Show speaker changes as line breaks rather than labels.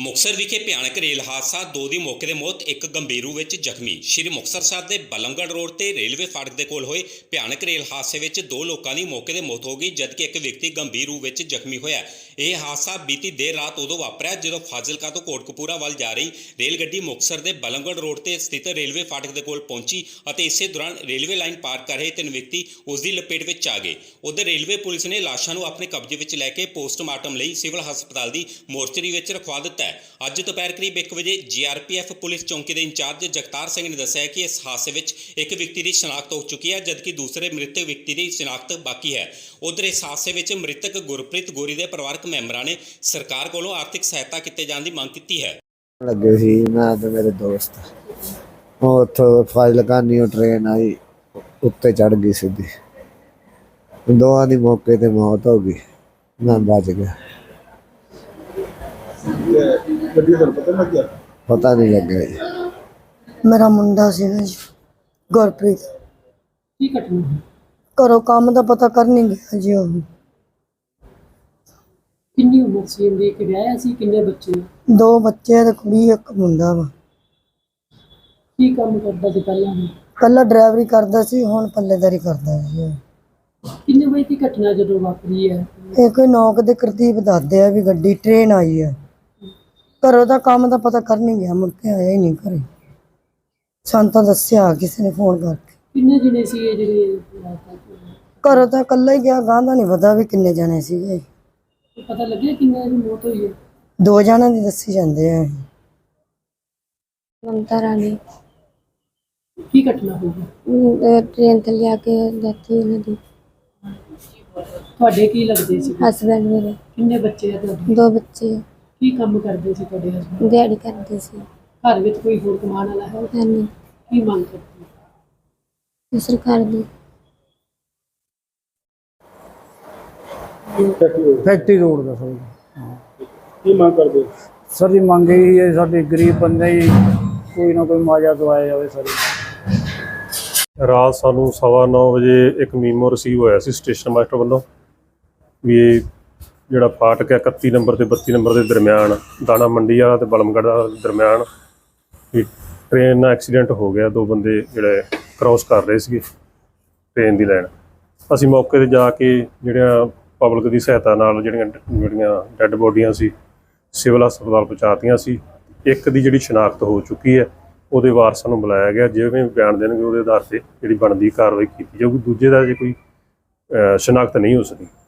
ਮੁਕਤਸਰ ਵਿਖੇ ਭਿਆਨਕ ਰੇਲ ਹਾਦਸਾ, 2 ਦੀ ਮੌਕੇ ਤੇ ਮੌਤ, ਇੱਕ ਗੰਭੀਰ ਰੂਪ ਵਿੱਚ ਜ਼ਖਮੀ। ਸ਼੍ਰੀ ਮੁਕਤਸਰ ਸਾਹਿਬ ਦੇ ਬਲਮਗੜ੍ਹ ਰੋਡ ਤੇ ਰੇਲਵੇ ਫਾਟਕ ਦੇ ਕੋਲ ਹੋਏ ਭਿਆਨਕ ਰੇਲ ਹਾਦਸੇ ਵਿੱਚ 2 ਲੋਕਾਂ ਦੀ ਮੌਕੇ ਤੇ ਮੌਤ ਹੋ ਗਈ, ਜਦਕਿ ਇੱਕ ਵਿਅਕਤੀ ਗੰਭੀਰ ਰੂਪ ਵਿੱਚ ਜ਼ਖਮੀ ਹੋਇਆ। ਇਹ ਹਾਦਸਾ ਬੀਤੀ ਦੇਰ ਰਾਤ ਉਦੋਂ ਵਾਪਰਿਆ ਜਦੋਂ ਫਾਜ਼ਿਲਕਾ ਤੋਂ ਕੋਟਕਪੂਰਾ ਵੱਲ ਜਾ ਰਹੀ ਰੇਲ ਗੱਡੀ ਮੁਕਤਸਰ ਦੇ ਬਲਮਗੜ੍ਹ ਰੋਡ ਤੇ ਸਥਿਤ ਰੇਲਵੇ ਫਾਟਕ ਦੇ ਕੋਲ ਪਹੁੰਚੀ ਅਤੇ ਇਸੇ ਦੌਰਾਨ ਰੇਲਵੇ ਲਾਈਨ ਪਾਰ ਕਰ ਰਹੇ 3 ਵਿਅਕਤੀ ਉਸ ਦੀ ਲਪੇਟ ਵਿੱਚ ਆ ਗਏ। ਉਧਰ ਰੇਲਵੇ ਪੁਲਿਸ ਨੇ ਲਾਸ਼ਾਂ ਨੂੰ ਆਪਣੇ ਕਬਜ਼ੇ ਵਿੱਚ ਲੈ ਕੇ ਪੋਸਟਮਾਰਟਮ ਲਈ ਸਿਵਲ ਹਸਪਤਾਲ ਦੀ ਮੋਰਚਰੀ ਵਿੱਚ ਰਖਵਾ ਦਿੱਤਾ ਹੈ। ਅੱਜ ਦੁਪਹਿਰ ਕਰੀਬ 1 ਵਜੇ ਜੀਆਰਪੀਐਫ ਪੁਲਿਸ ਚੌਂਕੀ ਦੇ ਇੰਚਾਰਜ ਜਗਤਾਰ ਸਿੰਘ ਨੇ ਦੱਸਿਆ ਕਿ ਇਸ ਹਾਦਸੇ ਵਿੱਚ ਇੱਕ ਵਿਅਕਤੀ ਦੀ ਸ਼ਨਾਖਤ ਹੋ ਚੁੱਕੀ ਹੈ, ਜਦਕਿ ਦੂਸਰੇ ਮ੍ਰਿਤਕ ਵਿਅਕਤੀ ਦੀ ਸ਼ਨਾਖਤ ਬਾਕੀ ਹੈ। ਉਧਰ ਇਸ ਹਾਦਸੇ ਵਿੱਚ ਮ੍ਰਿਤਕ ਗੁਰਪ੍ਰੀਤ ਗੋਰੀ ਦੇ ਪਰਿਵਾਰਕ ਮੈਂਬਰਾਂ ਨੇ ਸਰਕਾਰ ਕੋਲੋਂ ਆਰਥਿਕ ਸਹਾਇਤਾ ਕੀਤੇ ਜਾਣ ਦੀ ਮੰਗ ਕੀਤੀ ਹੈ।
ਲੱਗੇ ਸੀ ਮੈਂ ਤੇ ਮੇਰੇ ਦੋਸਤ, ਉਹ ਉੱਥੋਂ ਫਾਜ਼ਿਲਕਾ ਨਿਊ ਟ੍ਰੇਨ ਆਈ, ਉੱਤੇ ਚੜ ਗਈ ਸਿੱਧੀ, ਦੋਵਾਂ ਦੀ ਮੌਕੇ ਤੇ ਮੌਤ ਹੋ ਗਈ, ਮੈਂ ਬਚ ਗਿਆ। ਪਤਾ ਨਹੀਂ ਲੱਗਿਆ ਜੀ।
ਮੇਰਾ ਮੁੰਡਾ ਸੀ ਨਾ ਜੀ, ਗੁਰਪ੍ਰੀਤ।
ਕੀ ਘਟਨਾ?
ਘਰੋਂ ਕੰਮ ਦਾ ਪਤਾ ਕਰ ਨਹੀਂ ਗਿਆ ਜੀ। ਉਹ
ਕਿੰਨੀ ਉਮਰ ਸੀ ਇਹਦੀ? ਇੱਕ ਵਿਆਹਿਆ ਸੀ? ਕਿੰਨੇ ਬੱਚੇ?
2 ਬੱਚੇ ਤੇ ਕੁੜੀ, ਇੱਕ ਮੁੰਡਾ ਵਾ।
ਕੀ ਕੰਮ ਕਰਦਾ ਸੀ ਪਹਿਲਾਂ?
ਪਹਿਲਾਂ ਡਰਾਈਵਰੀ ਕਰਦਾ ਸੀ, ਹੁਣ ਪੱਲੇਦਾਰੀ ਕਰਦਾ ਸੀ।
ਕਿੰਨੇ ਵਜੇ ਦੀ ਘਟਨਾ ਜਦੋਂ ਵਾਪਰੀ ਹੈ?
ਇਹ ਕੋਈ 9 ਦੇ ਕਰਤੀਬ ਦੱਸਦੇ ਆ ਵੀ ਗੱਡੀ ਟ੍ਰੇਨ ਆਈ ਹੈ। ਘਰੋਂ ਦਾ ਕੰਮ ਦਾ ਪਤਾ ਕਰ ਨਹੀਂ ਗਿਆ, ਮੁੜ ਕੇ ਆਇਆ ਹੀ ਨਹੀਂ ਘਰੇ। ਸਾਨੂੰ ਤਾਂ ਦੱਸਿਆ ਕਿਸੇ ਨੇ ਫੋਨ ਕਰਕੇ।
ਕਿੰਨੇ ਜਣੇ ਸੀ ਇਹ ਜਿਹੜੇ?
ਘਰੋਂ ਤਾਂ ਇਕੱਲਾ ਹੀ ਗਿਆ, ਗਾਂ ਦਾ ਨਹੀਂ ਪਤਾ ਵੀ ਕਿੰਨੇ ਜਣੇ ਸੀਗੇ।
ਪਤਾ ਲੱਗਿਆ ਕਿੰਨੇ ਦੀ ਮੌਤ ਹੋਈ ਹੈ?
2 ਜਣਾਂ ਦੀ ਦੱਸੀ ਜਾਂਦੇ ਆ।
ਮਮਤਾ ਰਾਣੀ।
ਕੀ ਘਟਨਾ ਹੋ ਗਈ?
ट्रेन ਤੇ ਲਿਆ ਕੇ ਦਿੱਤੀ ਉਹਨਾਂ ਦੀ।
ਤੁਹਾਡੇ ਕੀ ਲੱਗਦੇ ਸੀ?
ਹਸਬੈਂਡ ਮੇਰੇ।
ਕਿੰਨੇ ਬੱਚੇ ਆ ਤੁਹਾਡੇ?
2 ਬੱਚੇ।
ਕੀ ਕੰਮ ਕਰਦੇ ਸੀ ਤੁਹਾਡੇ ਹਸਬੰਦ?
ਦਿਹਾੜੀ ਕਰਦੇ ਸੀ।
ਘਰ ਵਿੱਚ ਕੋਈ ਹੋਰ ਕਮਾਉਣ ਵਾਲਾ ਹੈ?
ਹਾਂਜੀ।
ਕੀ ਮੰਗ ਕਰਦੇ?
ਸਰਕਾਰ ਦੀ।
फैक्ट्री रोड का सर
ਕੀ ਮੰਗ ਕਰਦੇ?
सर जी मंग यही है, साडे गरीब बंदे ही कोई ना कोई मुआवजा दवाया जाए सर।
ਰਾਤ ਸਾਨੂੰ 9:15 ਵਜੇ ਇੱਕ ਮੀਮੋ ਰਿਸੀਵ ਹੋਇਆ ਸੀ ਸਟੇਸ਼ਨ ਮਾਸਟਰ ਵੱਲੋਂ ਵੀ ਇਹ ਜਿਹੜਾ ਫਾਟਕ ਹੈ 31 ਨੰਬਰ ਤੇ 32 ਨੰਬਰ ਦੇ ਦਰਮਿਆਨ, ਦਾਣਾ ਮੰਡੀ ਵਾਲਾ ਤੇ ਬਲਮਗੜ੍ਹ ਦਾ ਦਰਮਿਆਨ, ਵੀ ਟ੍ਰੇਨ ਨਾਲ ਐਕਸੀਡੈਂਟ ਹੋ ਗਿਆ। 2 ਬੰਦੇ ਜਿਹੜੇ ਕ੍ਰਾਸ ਕਰ ਰਹੇ ਸੀਗੇ ਟ੍ਰੇਨ ਦੀ ਲਾਈਨ। ਅਸੀਂ ਮੌਕੇ 'ਤੇ ਜਾ ਕੇ ਜਿਹੜੀਆਂ ਪਬਲਿਕ ਦੀ ਸਹਾਇਤਾ ਨਾਲ ਜਿਹੜੀਆਂ ਡੈੱਡ ਬੋਡੀਆਂ ਸੀ ਸਿਵਲ ਹਸਪਤਾਲ ਪਹੁੰਚਾਤੀਆਂ ਸੀ। ਇੱਕ ਦੀ ਜਿਹੜੀ ਸ਼ਨਾਖਤ ਹੋ ਚੁੱਕੀ ਹੈ, ਉਹਦੇ ਵਾਰਸਾਂ ਨੂੰ ਬੁਲਾਇਆ ਗਿਆ, ਜਿਵੇਂ ਬਿਆਨ ਦੇਣਗੇ ਉਹਦੇ ਆਧਾਰ 'ਤੇ ਜਿਹੜੀ ਬਣਦੀ ਕਾਰਵਾਈ ਕੀਤੀ ਜਾਊਗੀ। ਦੂਜੇ ਦਾ ਜੇ ਕੋਈ ਸ਼ਨਾਖਤ ਨਹੀਂ ਹੋ ਸਕੀ।